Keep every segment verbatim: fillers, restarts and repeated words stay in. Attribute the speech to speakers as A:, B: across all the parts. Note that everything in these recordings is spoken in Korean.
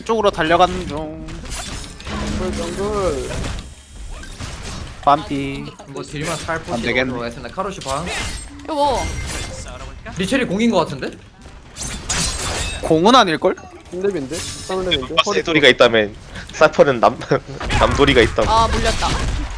A: 쪽으로 달려가는 중.
B: 정글 정글.
A: 반피.
C: 뭐 딜만 살
A: 안
C: 포시
A: 되겠네.
C: 들어가 있으나 카로시 방.
D: 이거 뭐
C: 리첼이 공인 거 같은데?
A: 공은 아닐걸?
B: 삼렙인데? 삼렙인데?
E: 세돌이가 있다면 사퍼는 남 남돌이가 있다면.
D: 아 물렸다.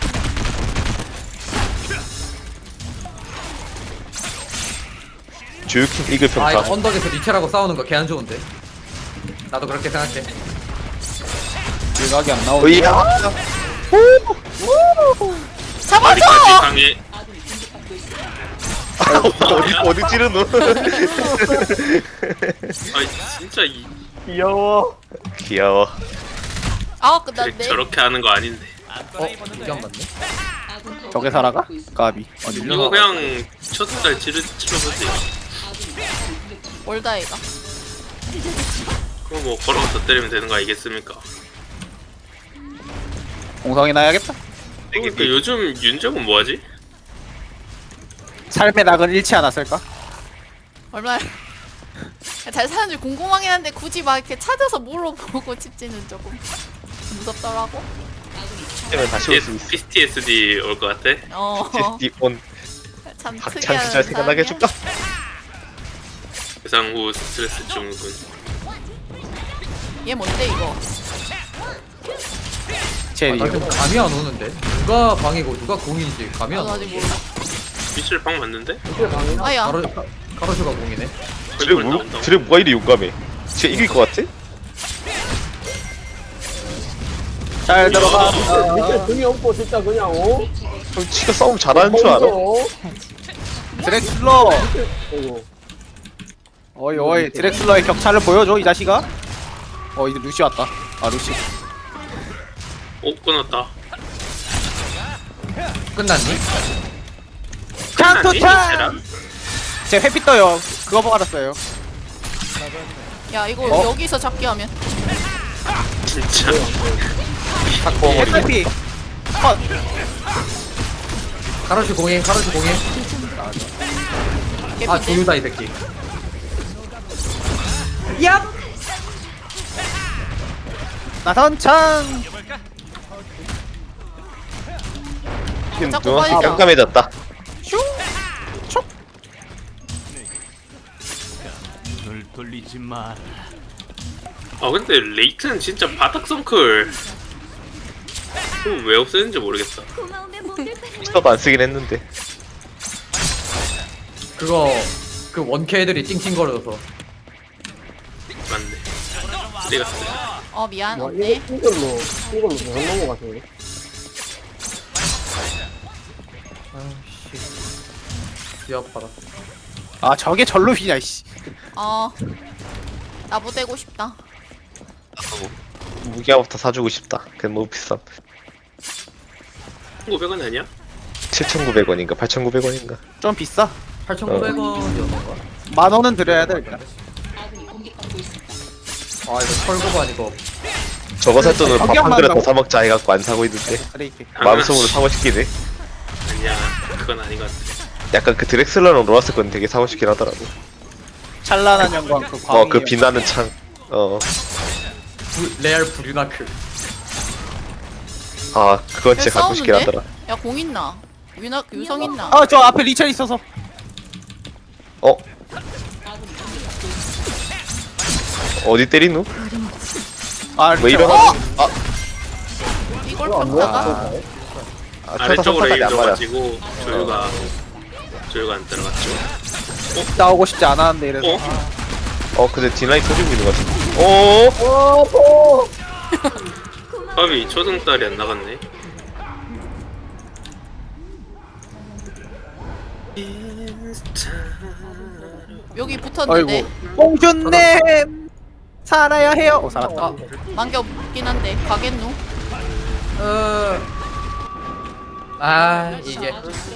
E: 주유킹 이글
C: 아 이거
E: 평타.
C: 언덕에서 리첼하고 싸우는 거 개 안 좋은데. 나도 그렇게 생각해.
A: 일각이 안 나오네.
E: 으이야.
D: 잡아줘!
F: 강해.
E: 어디 어디 찌르노?
F: 아니 진짜 이
E: 귀여워. 귀여워.
D: 아
F: 그래,
D: 끝났네.
F: 저렇게 하는 거 아닌데.
C: 어? 이게 안 맞네?
A: 저게 살아가? 까비. 어디
F: 이거 그냥 첫달 지르 치러보지.
D: 올다 이가.
F: 그거 뭐 걸어서 때리면 되는 거 아니겠습니까?
A: 공성이 나야겠다.
F: 그러니까 요즘 윤정은 뭐하지?
A: 삶의 낙은 잃지 않았을까?
D: 얼마나 잘 사는지 궁금하긴 한데 굳이 막 이렇게 찾아서 물어보고 집지는 조금 무섭더라고.
E: 때면 다시 올 수 있어.
F: 피티에스디 올 것 같아?
D: 어.
E: 이온
D: 참
E: 박찬
D: 특이한
E: 시절 생각나게 해줄까?
F: 예상 후 스트레스 증후군.
D: 얘 뭔데 이거?
A: 제리.
C: 나 지금 감이 안 오는데? 누가 방이고 누가 공인지 감이 안
D: 나도
C: 오네.
D: 아직 몰라.
F: 미칠 방 맞는데?
B: 이게 강해?
D: 아야.
C: 카로, 카- 카로슈가 공이네.
E: 드레 뭐 드레 뭐가 이리 용감해? 진짜 이길 것 같아?
A: 잘 들어가.
B: 밑에 등이 없고 진짜 그냥 어?
E: 형 지가 싸움 잘하는 줄 알아?
B: 어?
A: 드렉슬러.
B: 어이구.
A: 어이 어이 드렉슬러의 격차를 보여줘 이 자식아. 어 이제 루시 왔다. 아 루시.
F: 오 끊었다.
C: 끝났니?
A: 칸토
F: 끝났니?
A: 찬.
F: 미칠아?
A: 제 회피 떠요. 그거 보고 알았어요.
D: 야 이거
A: 어?
D: 여기서 잡기 하면
F: 진짜.
A: 회피. 컷.
C: 카로슈 공인, 카로슈 공인. 아
D: 개피인데?
C: 조유다 이 새끼.
A: 나선창.
E: 힘
D: 자꾸
E: 누나
D: 빠지자.
E: 깜깜해졌다.
A: 슝. 촉.
G: 눈을 돌리지 마.
F: 아 근데 레이튼 진짜 바닥 성클. 그거 왜 없애는지 모르겠다.
E: 스타도 안 쓰긴 했는데.
C: 그거 그 원캐 애들이 찡찡거려서.
F: 맞네. 내가 쓰-
D: 어 미안
B: 와,
D: 없네.
B: 이거 이걸로 이걸로 못 넘은 것 같은데.
C: 아씨. 귀 아파라.
A: 아 저게 절로 휘냐 씨.
D: 어 나부대고 싶다.
E: 무기화부터 사주고 싶다. 그건 너무 비쌈.
F: 오백 원 아니야?
E: 칠천구백 원인가 팔천구백 원인가?
A: 좀 비싸.
C: 팔천구백 원이었는가?
A: 만 원은 드려야 돼 일단.
C: 아 이거 철거반 이거.
E: 저거 살 돈으로 밥
A: 가격만
E: 한 그릇 더
A: 한다고?
E: 사 먹자 해갖고 안 사고 있는데
A: 그래 이렇게.
E: 마음속으로 사고 싶긴 해.
F: 아니야. 그건 아닌 것 같아.
E: 약간 그 드렉슬러랑 로라스 건 되게 사고 싶긴 하더라고.
A: 찬란한 영광 그 광희.
E: 어 그 빛나는 창. 어.
C: 부, 레알 브류나크.
E: 아 그건
D: 여기
E: 진짜 갖고 싶긴
D: 싸우는데?
E: 하더라.
D: 야 공 있나? 유나 유성 있나?
A: 아저 앞에 리첼 있어서.
E: 어? 어디 때리누?
A: 아
E: 왜
A: 리첼.
E: 이러나?
A: 어?
E: 아,
D: 이걸
B: 이거 안
D: 평타가?
B: 먹었어.
E: 아 천사
F: 아래쪽으로
E: 성까지 안 맞아.
F: 이동가지고 조유가 조유가 안 들어갔죠.
A: 싸우고 싶지 않았는데 이래서.
F: 어?
E: 어 근데 딜라인 터지고 있는 것 같은데. 어?
B: 어, 또.
F: 밥이 초등딸이 안 나갔네.
D: 여기 붙었는데
A: 아이고. 뽕준님 살아야 해요. 어 살았다.
C: 아,
D: 만개 없긴 한데 가겠노?
C: 어. 아 이게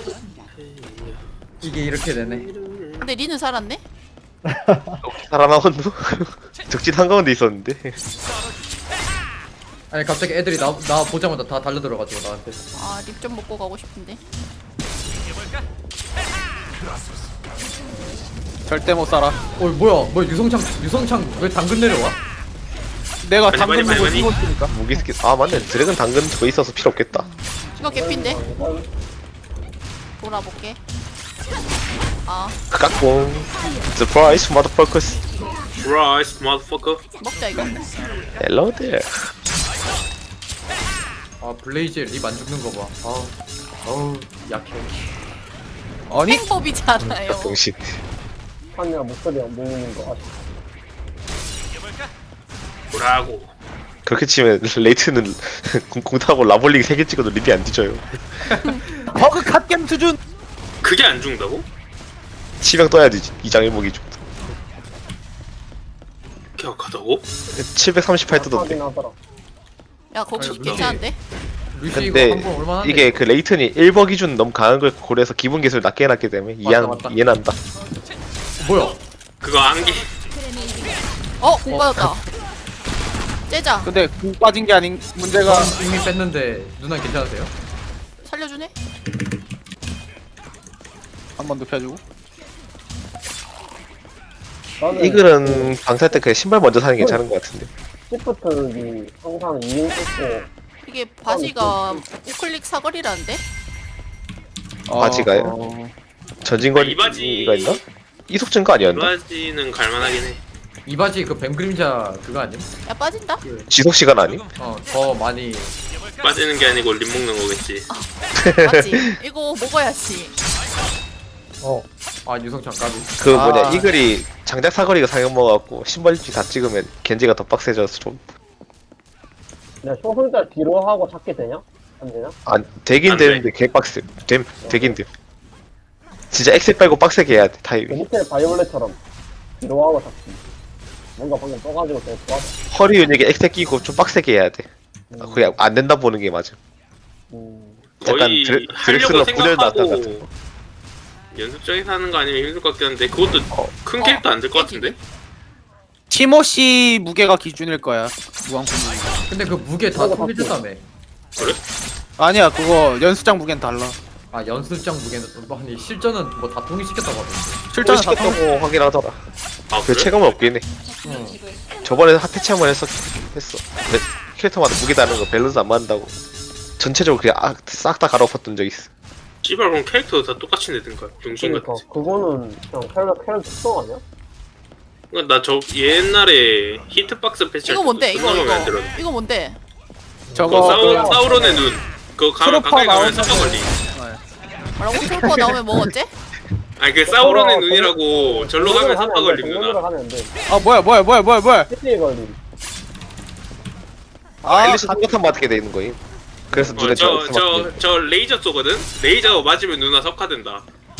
C: 이게 이렇게 되네.
D: 근데 리는 살았네?
E: 살아나왔누? 적진 한가운데 있었는데.
C: 아니 갑자기 애들이 나, 나 보자마자 다 달려들어가지고 나한테.
D: 아 립 좀 먹고 가고 싶은데.
A: 절대 못 살아.
C: 어 뭐야 뭐야 유성창 유성창 왜 당근 내려와?
A: 내가
F: 많이,
A: 당근
F: 많이,
A: 먹고
F: 많이,
A: 쓰고 있으니까.
E: 무기 스킬 아 맞네 드래곤 당근 더 있어서 필요 없겠다.
D: 이거 개핀데? 돌아볼게. 아
E: 깍봉. Surprise motherfuckers.
F: Surprise, motherfucker.
D: 먹자 이거.
E: Hello there.
C: 아 블레이즈에 립 안 죽는 거봐. 아 어우 약해.
A: 아니
D: 행법이잖아요.
E: 병신.
B: 하냐 목소리 안 들리는 거 아시죠?
F: 뭐라고.
E: 그렇게 치면 레이트는 공, 공 타고 라볼링 세 개 찍어도 립이 안 뒤져요.
A: 버그 갓겜 수준.
F: 그게 안 죽는다고?
E: 치명 떠야 되지. 이장 일목이죠.
F: 기억하다고?
E: 칠백삼십팔 뜨던데.
B: 하긴 하더라.
D: 야 거기
C: 아유,
D: 괜찮은데?
C: 루시 이거
E: 근데
C: 한번 얼마나
E: 이게 그 레이튼이 일 버 기준 너무 강한 걸 고려해서 기본 기술 낮게 해놨기 때문에
C: 맞다,
E: 이해는,
C: 맞다.
E: 이해는 한다.
C: 뭐야?
F: 그거 안개.
D: 어? 공 빠졌다. 째자.
A: 근데 궁 빠진 게 아닌 문제가.
C: 전 이미 뺐는데 누나 괜찮으세요?
D: 살려주네?
A: 한 번 눕혀주고.
B: 나는
E: 이글은 방살 때 그냥 신발 먼저 사는 게 괜찮은 것 같은데.
B: 시프트기 항상 이인 찍고
D: 이게 바지가 우클릭 사거리라는데?
E: 바지가요?
A: 어...
E: 전진거리
F: 아, 이 바지-
E: 이가 있나? 이속 증거 아니었나?
F: 바지는 갈만하긴 해.
C: 이 바지 그 뱀 그림자 그거 아님?
D: 야 빠진다?
E: 지속 시간 아니?
C: 어더 많이
F: 빠지는 게 아니고 립 먹는 거겠지.
D: 맞지? 이거 먹어야지.
C: 아 유성 잠깐만.
E: 그
A: 아.
E: 뭐냐 이글이 장작 사거리가 상형 먹어갖고 신발 입지 다 찍으면 겐지가 더 빡세져서 좀
B: 내가 초승달 뒤로 하고 찾게 되냐? 안 되냐?
E: 안 되긴
F: 안 돼.
E: 되는데 개 빡세. 됨 되긴 돼. 진짜 엑셀 빼고 빡세게 해야 돼
B: 그
E: 타입이.
B: 밑에 바이올렛처럼 뒤로 하고 찾기. 뭔가 방금 떠가지고 되게 좋았어.
E: 허리 근육에 엑셀 끼고 좀 빡세게 해야 돼. 아, 그게 안 된다 보는 게 맞아.
B: 음,
E: 약간
F: 거의
E: 드레-
F: 하려고
E: 드렉슬러 분열 나타 같은
F: 생각하고 연습장에서 하는 거 아니면 힘들 것 같긴 한데 그것도
E: 어.
F: 큰 캐릭터 안 될 것 같은데?
A: 티모시 무게가 기준일 거야. 무한 공무.
C: 근데 그 무게 다
B: 그거
C: 통일됐다며.
A: 아니야 그거 연습장 무게는 달라.
C: 아 연습장 무게는 뭐 아니 실전은 뭐 다 통일시켰다고 하던데.
A: 실전은 다 통.
E: 시켰다고 하긴 하더라.
F: 아
E: 그
F: 그래?
E: 체감은 없긴 해.
C: 응.
E: 저번에 핫패치 한번 했었 했어. 근데 캐릭터마다 무게 다른 거 밸런스 안 맞는다고. 전체적으로 그냥 아, 싹 다 갈아엎었던 적 있어.
F: 씨발 그럼 캐릭터 다 똑같이 내든가 병신
B: 그러니까
F: 같지.
B: 그거는 그냥 캐릭터 캐릭터 특성 아니야?
F: 나 저 옛날에 히트박스 패치할
D: 이거 뭔데?
F: 때
D: 이거
F: 존나 마음에 안
D: 이거
F: 들었는데.
D: 이거 뭔데?
F: 그거
A: 저거
F: 사우, 사우론의 눈. 그거 가,
A: 트루퍼
F: 가까이 가면
A: 나오면은-
F: 삭가걸리.
D: 뭐라고? 트루퍼 나오면 뭐 어째?
F: 아니 그 사우론의
B: 어,
F: 눈이라고 절로 가면 삭가 걸림 누나.
B: 정글을 하면 안 돼.
A: 아 뭐야 뭐야 뭐야 뭐야 뭐야.
B: 피티에 걸림.
E: 아, 앨리스 똑같은 맞게 돼 있는 거임. 그래서 눈에
F: 어, 저,
E: 저,
F: 저, 저 레이저 쏘거든? 레이저 맞으면 누나 석화된다.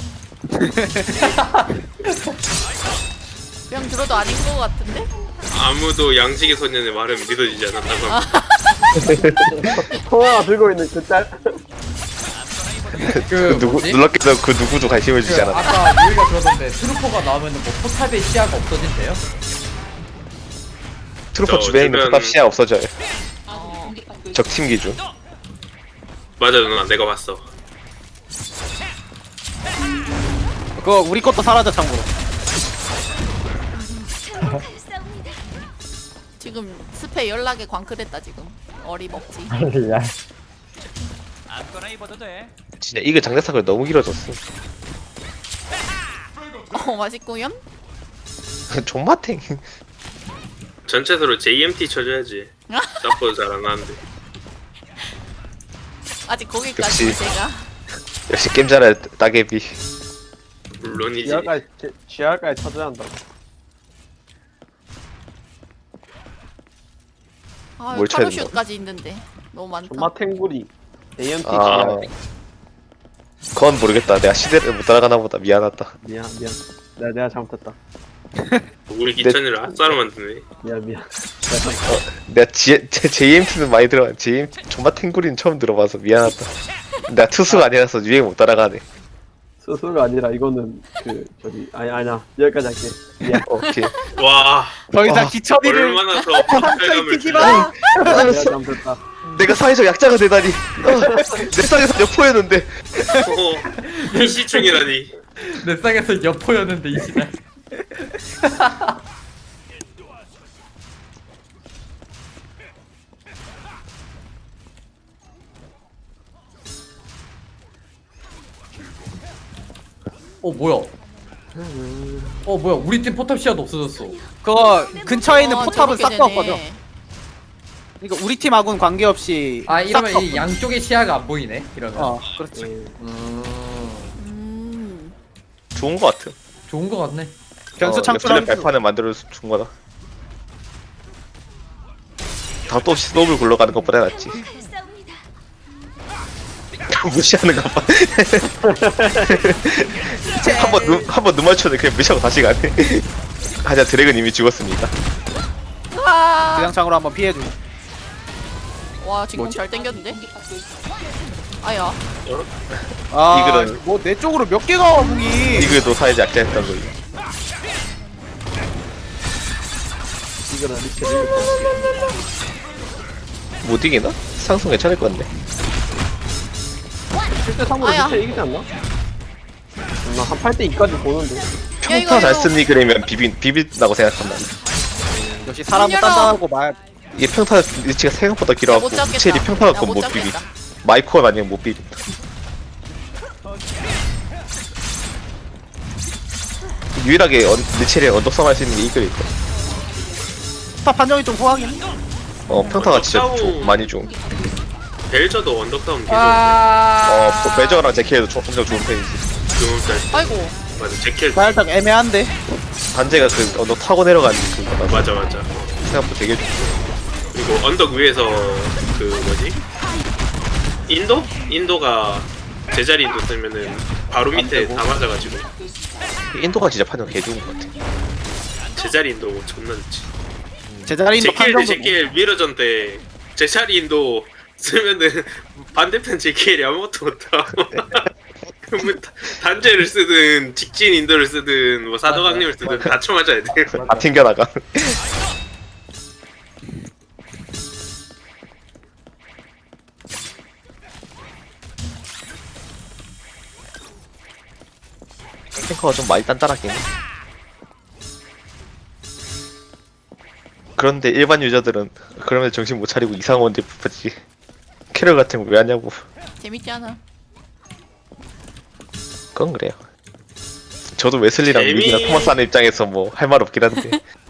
D: 그냥 들어도 아닌 거 같은데?
F: 아무도 양식의 소년의 말은 믿어지지 않는다고
D: 아.
F: 합니다.
B: 통화가 들고 있는 그 짤.
C: 그
E: 그 누구
C: 뭐지?
E: 눌렀겠다 그 누구도 관심을
C: 그
E: 주지 않았다.
C: 아까 유이가 그러던데 트루퍼가 나오면은 뭐 포탑의 시야가 없어진대요?
E: 트루퍼
F: 저
E: 주변에 있는
F: 주변-
E: 포탑 시야 없어져요.
D: 어.
E: 적팀 기준.
F: 맞아 누나 내가 봤어.
A: 그거 우리 것도 사라져 참고로.
D: 지금 스페 연락에 광클했다 지금. 어리먹지.
G: 아무거나 입어도 돼.
E: 진짜 이거 장작사거리 너무 길어졌어.
D: 어 맛있구요?
E: 존맛탱.
F: 전체적으로 제이엠티 쳐줘야지. 서포트 잘 안 하는데.
D: 아직 거기까지
E: 역시.
D: 제가
E: 역시 게임 잘할 따개비.
F: 물론이지.
B: 지하까지 지하까지 쳐줘야 한다.
D: 아
E: 뭘 찾는
D: 카로슈까지 있는데 너무 많다.
B: 존마 탱구리. 에이엠티
E: 아, 그건 모르겠다. 내가 시대를 못 따라가나 보다. 미안하다.
B: 미안 미안. 내가 내가 잘못했다.
F: 우리 기천이를 핫사로 만드네.
B: 미안 미안.
E: 내가 지, 제이엠티는 많이 들어봐. 제이엠티 존맛탱구리는 처음 들어봐서 미안하다. 내가 투수가 아니라서 유행 못 따라가네.
B: 스스로가 아니라 이거는 그 저기 아니 아니야 여기까지 할게. 미안.
E: 오케이.
F: 와
A: 더 이상 기천이를
F: 얼마나 더 박탈감을
A: 튀지
F: 주냐.
A: 마.
B: 내가 잘못했다.
E: 내가 사회적 약자가 되다니. 어, 내 땅에서 여포였는데.
F: 어, 이시충이라니.
C: 내 쌍에서 여포였는데 이 시간. 어 뭐야? 어 뭐야? 우리 팀 포탑 시야도 없어졌어.
A: 그거 근처에 있는
D: 어,
A: 포탑은
D: 저렇게
A: 싹 다
D: 되네.
A: 없거든. 그러니까 우리 팀하고는 관계없이
C: 아
A: 싹
C: 이러면
A: 다
C: 이
A: 없거든.
C: 양쪽의 시야가 안 보이네. 이러면.
A: 어 그렇지.
C: 음,
D: 음.
E: 좋은 거 같아.
C: 좋은 거 같네.
A: 변수
E: 어,
A: 창출하는
E: 랩플렛 발판을 만들어 준 거다. 답도 없이 스노우를 굴러가는 것보다 낫지. 무시하는 것 봐. 한번 눈, 한번 눈 맞췄는데 그냥 무시하고 다시 가네. 하자 드래곤 이미 죽었습니다.
D: 아.
A: 대장창으로 한번 피해줘.
D: 와 지금
A: 뭐지?
D: 잘 땡겼는데? 아야.
A: 아,
E: 이글은-
A: 뭐 내 쪽으로 몇 개가 무기.
E: 이글도 사이즈 약자했던 거지.
B: 이거는 리치 릴리.
E: 못 이기나? 상승 괜찮을 건데.
B: 칠 대 삼으로
D: 아야.
B: 리치 이기지 않나? 나 한 팔 대 이까지 보는데.
E: 평타 잘 쓴 이글이면 비빈 비빈다고 생각한다.
A: 역시 사람은
D: 열어.
A: 단단하고 말.
E: 이게 평타 리치가 생각보다 길어갖고
D: 못 잡겠다.
E: 리첼이 평타 갖고
D: 나 못
E: 못 비비.
D: 잡겠다.
E: 마이코어 아니면 못 비빈다. 유일하게 언, 리첼이 언덕성 할 수 있는 게 이글일 거야.
A: 포탑 판정이 좀 호황이네.
E: 어 평타가 진짜
F: 언덕다운.
E: 조, 많이 좀.
F: 벨저도 언덕다운 계속
C: 아.
E: 어 매저랑 제키에도 조- 엄청 좋은 편이지.
F: 좋은 짤.
D: 아이고.
F: 맞아 제킬
A: 살짝 애매한데.
E: 단제가 그 언덕 타고 내려가는 그거다.
F: 맞아 맞아.
E: 생각보다 되게 좋고.
F: 그리고 언덕 위에서 그 뭐지? 인도? 인도가 제자리 인도 쓰면은 바로 밑에 다 맞아가지고
E: 인도가 진짜 판정 개 좋은 것 같아.
F: 제자리 인도 존나 좋지.
A: 제자리인도
F: 제킬 대
A: 판정도.
F: 제킬 미러전 때 제자리 인도 쓰면은 반대편 제킬이 아무것도 못하고 그러면 다- 단제를 쓰든 직진 인도를 쓰든 뭐 사도강림을 쓰든 다 쳐맞아야 돼.
E: 다 튕겨나가. 탱커가 좀 많이 단단하긴 해. 그런데 일반 유저들은 그러면 정신 못 차리고 이상한 원딜 뽑지. 캐럴 같은 거 왜 하냐고.
D: 재밌지 않아?
E: 그건 그래요. 저도 웨슬리랑
F: 재미-
E: 윈이나 토마스 하는 입장에서 뭐 할 말 없긴 한데.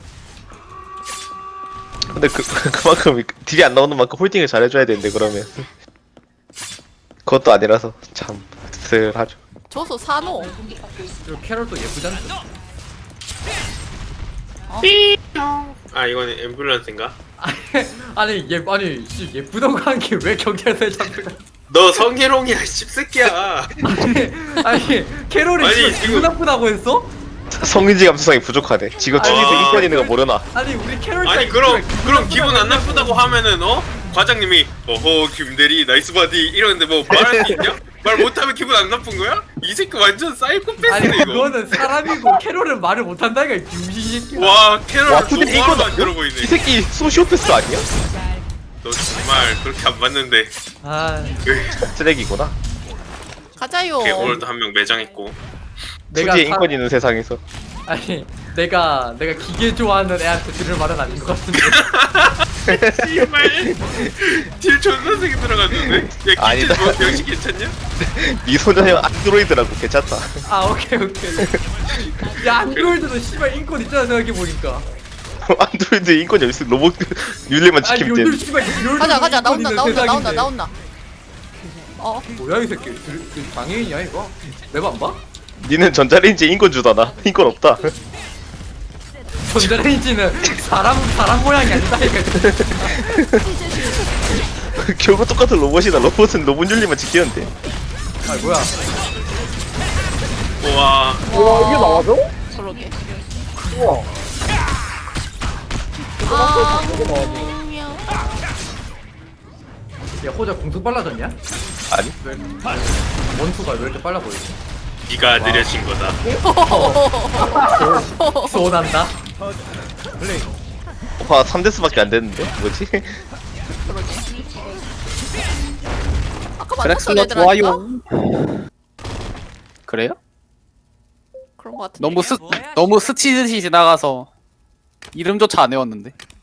E: 근데 그 그만큼 딜이 안 나오는 만큼 홀딩을 잘해줘야 되는데 그러면 그것도 아니라서 참 씁쓸하죠.
D: 저소 산호.
C: 그리고 캐럴도 예쁘지 않죠?
F: 아 이거는 앰뷸런스인가?
C: 아니 예 아니 씨, 예쁘다고 한 게 왜 경찰서에 잡히나?
F: 너 성희롱이야 씹새끼야.
C: 아니 아니 캐럴이
F: 아니,
C: 지금
F: 지금-
C: 기분 나쁘다고 했어?
E: 성인지 감수성이 부족하네. 지금
F: 아니,
E: 중에서
F: 아.
E: 인권 있는 거 모르나?
C: 아니 우리 캐럴
F: 아니 그럼 그럼 기분 안 나쁘다고 하면은 어 과장님이 어허 김대리 나이스 바디 이러는데 뭐 말할 수 있냐? 말 못하면 기분 안 나쁜 거야? 이 새끼 완전
C: 아니
F: 사이코패스네 이거.
C: 그거는 사람이고 캐럴은 말을 못한다니까 이 병신 새끼야.
F: 와 캐럴
E: 와 근데
F: 너무
E: 이건
F: 안 들어 보이네.
E: 이 새끼 소시오패스 아니야?
F: 너 정말 그렇게 안 봤는데.
C: 아
E: 쓰레기구나.
D: 가자요.
F: 오케이, 오늘도 한 명 매장했고.
C: 내가
E: 투지에
C: 사-
E: 인권 있는 세상에서
C: 아니 내가 내가 기계 좋아하는 애한테 들을 말은 아닌 것 같은데.
F: 씨발 딜 존나 세게 들어갔는데? 야
E: 아니다.
F: 기체 뭐 병신 괜찮냐?
E: 미소녀형 안드로이드라고 괜찮다.
C: 아 오케이 오케이. 야 안드로이드도 씨발 인권 있잖아 생각해 보니까.
E: 안드로이드 인권 여기 있어. 로봇 윤리만
C: 아니
E: 지키면
C: 요즘
E: 돼.
C: 씨발 요즘
D: 가자 가자
C: 인권
D: 나온다
C: 있는
D: 나온다 나온다
C: 세상인데.
D: 나온다. 어
C: 뭐야 이 새끼 들- 들- 장애인이야 이거? 내가 안 봐?
E: 니는 전자레인지에 인권 주다나. 인권 없다.
C: 전자레인지는 사람 사람 모양이 아니다 이거.
E: 결국 똑같은 로봇이다. 로봇은 로봇 윤리만 지키면 돼.
C: 아 뭐야?
F: 우와
B: 우와 이게 나와줘?
D: 그러게.
B: 우와.
D: 아
B: 이게 나와줘.
D: 명.
C: 야 호자 공속 빨라졌냐?
E: 아니?
C: 원투가 왜 이렇게 빨라 보이지?
F: 네가 느려진 거다.
C: 소원한다.
E: 와 삼 대스밖에 안 됐는데 뭐지?
D: 아까 만났던
A: 드렉슬러
D: 애들 아닌가?
A: 좋아요. 그래요?
D: 그런 거 같은데.
A: 너무 스 너무 스치듯이 지나가서 이름조차 안 외웠는데.